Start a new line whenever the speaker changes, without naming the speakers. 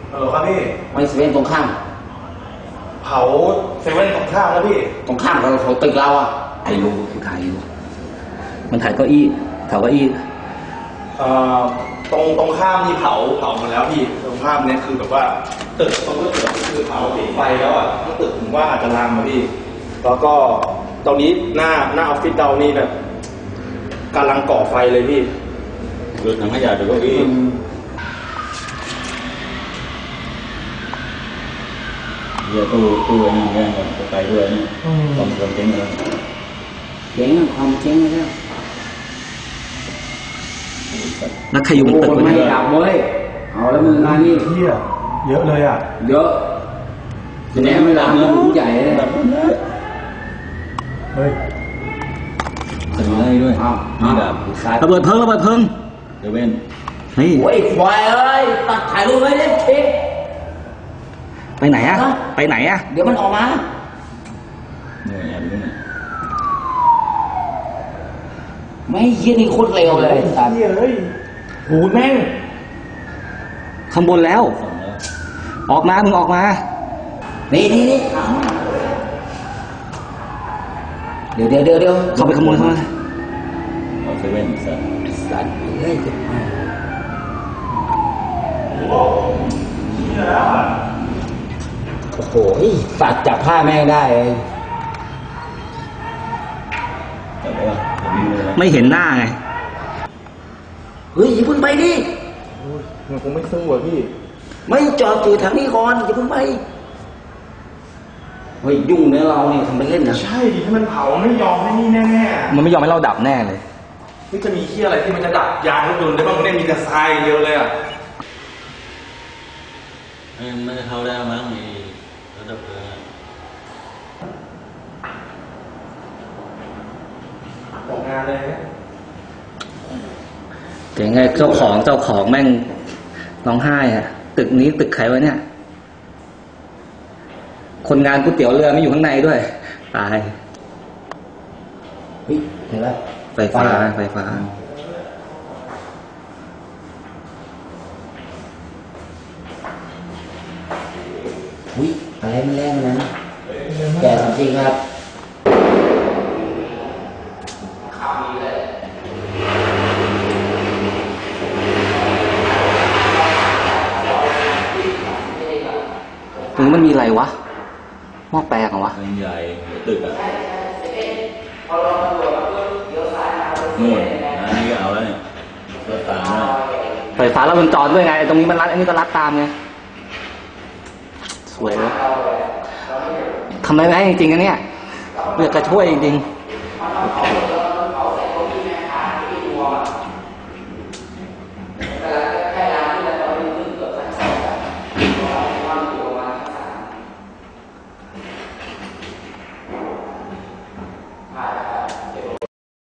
ครับพี่
ไปเซเว่นตรงข้าม
เผาเซเว่นตรงข้ามแล้วพี่
ตรงข้ามเราเขาตึกเราอ่ะไอ้รู้กูถ่ายอยู่มันถ่ายเก้าอี้แถวเก้าอี้
ตรงข้ามนี่เผาหมดแล้วพี่ตรงข้ามเนี่ยคือแบบว่าตึกตรงตึกคือเผาติดไฟแล้วอ่ะทั้งตึกผมว่าอาจจะลามมาพี่แล้วก็ตอนนี้หน้าออฟฟิศเรานี่แบบกำลังก่อไฟเลยพี่
ดูถังขยะดูเก้าอี้เดี๋ยวตู้ไอ้นี่แย่งกันไปด้วยนี่ความเจ๊งเลย
เจ๊งความเจ๊งเลยแล้วใครอยู่บนตึกไม่ดับเว้ยเอาแล้วมึงงานนี่
เที่ยเยอะเลยอ่ะ
เยอะจะแน่ไม่ดับเงินใหญ่เลย
เฮ้ย
จะมีอะไรด้วยนี่ดับ
ระเบิดเพลิง
เดี๋ยวเว้น
เฮ้ยโอ้ยควายเอ้ยตัดถ่ายรูปไว้เลยเช็คไปไหนอะไปไหนอะเดี๋ยวมันออกมา
เนี่ยแอบดูนี่
ไม่เยี่ยนี่โคตรเร็วเลย
เยี่ยเลยหูแม่ง
ข้างบนแล้วออกมามึงออกมานี่เดี๋ยวเข้าไปขโมยเข้ามา
เอาเซเว่น
สัตว์เฮ้ยโอ้โหสัตว์จับผ้าแม่งได้ไม่เห็นหน้าไงเฮ้ยอย่าเพิ่งไปดิ
มันคงไม่ซึ้งว่ะพี่
ไม่จอดอยู่ทางนี้ก่อนอย่าเพิ่งไปเฮ้ยยุ่งเนื้อเราเนี่ยทำไปเล่นนะ
ใช่ดิถ้ามันเผาไม่ยอมให้นี่แน่
ๆมันไม่ยอมให้เราดับแน่เลย
นี่จะมีเหี้ยอะไรที่มันจะดับยางรถยนต์ได้บ้างเนี่ยมีแต่ทรายเยอะเลยอ่ะ
มันจะเข้าได้มั้งมีระดับเลย
ออกงานเลย
เจ๋งไงเจ้าของแม่งร้องไห้อ่ะตึกนี้ตึกใครวะเนี่ยคนงานก๋วยเตี๋ยวเรือไม่อยู่ข้างในด้วยตายเฮ้ยเห็นแล้วไฟฟ้าอุ้ยอะไรมันแรงนะแก่จริงครับตรงนี้มันมีอะไรวะหม้อแปลงเหรอวะ
ใหญ่ตึกอ่ะนู่นนี่ก็เอาแล้วเนี่ย
ไฟฟ้าแล้วมันจอดด้วยไงตรงนี้มันรัดอันนี้ก็รัดตามไงสวยเลยทำอะไรได้จริงๆนะเนี่ยอยากจะช่วยจริงๆ